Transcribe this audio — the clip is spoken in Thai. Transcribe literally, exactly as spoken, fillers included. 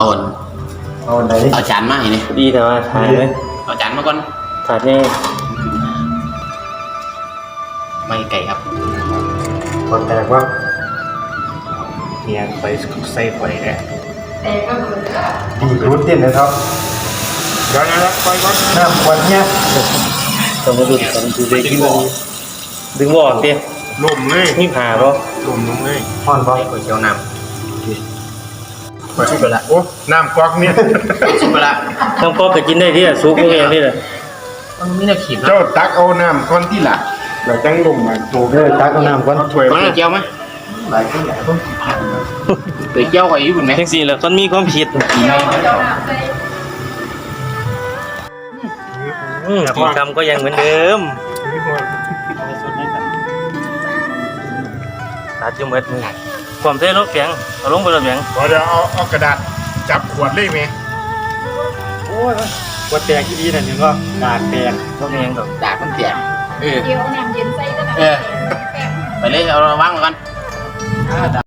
เอาเอาไหนเอาจานมาให้นี่ดีแต่ว่าถ่ายไหมเอาจานมาก่อนถ่ายนี่ไม่ไก่ครับก่อนแตกว่าเนี่ยไปใส่ไฟแหละดีรุดเต้นนะครับเดี๋ยวนะไปก่อนน้ำควันเนี่ยสมมติดูดูเด็กที่มันดึงวอดเตี้ยลมเลยนี่ผ่าปะลมลงเลยห่อนปะก๋วยเตี๋ยวน้ำไปชุบไปละโอ้น้ำก๊อกเนี่ยชุบไปละต้องก็กินได้ที่ซุปพวกเองนี่แหละมันมีน้ำขีดนะเจ้าตักเอาน้ำก้อนที่หลักเราจังลงมาโตเออตักเอาน้ำก่อนเอาถ้วยมามาเจียวไหมหลายคนใหญ่ต้องผ่านไปเจียวไอ้ญี่ปุ่นไหมแท็กซี่แล้วก็มีความผิดอืมกินคำก็ยังเหมือนเดิมตัดจุ่มเอ็ดมือความเท่รถเสียงเอาลงไปรถเสียงเดี๋ยวเอาเอากระดาษจับขวดเลยไหมโอ้ยวัดแตกที่ดีนั่นนึงก็ดาดแตกรถเสียงกับดากมันเสียเออเดี๋ยวน้ำเย็นใส่ก็ได้เออไปเลยเอาวางก่อน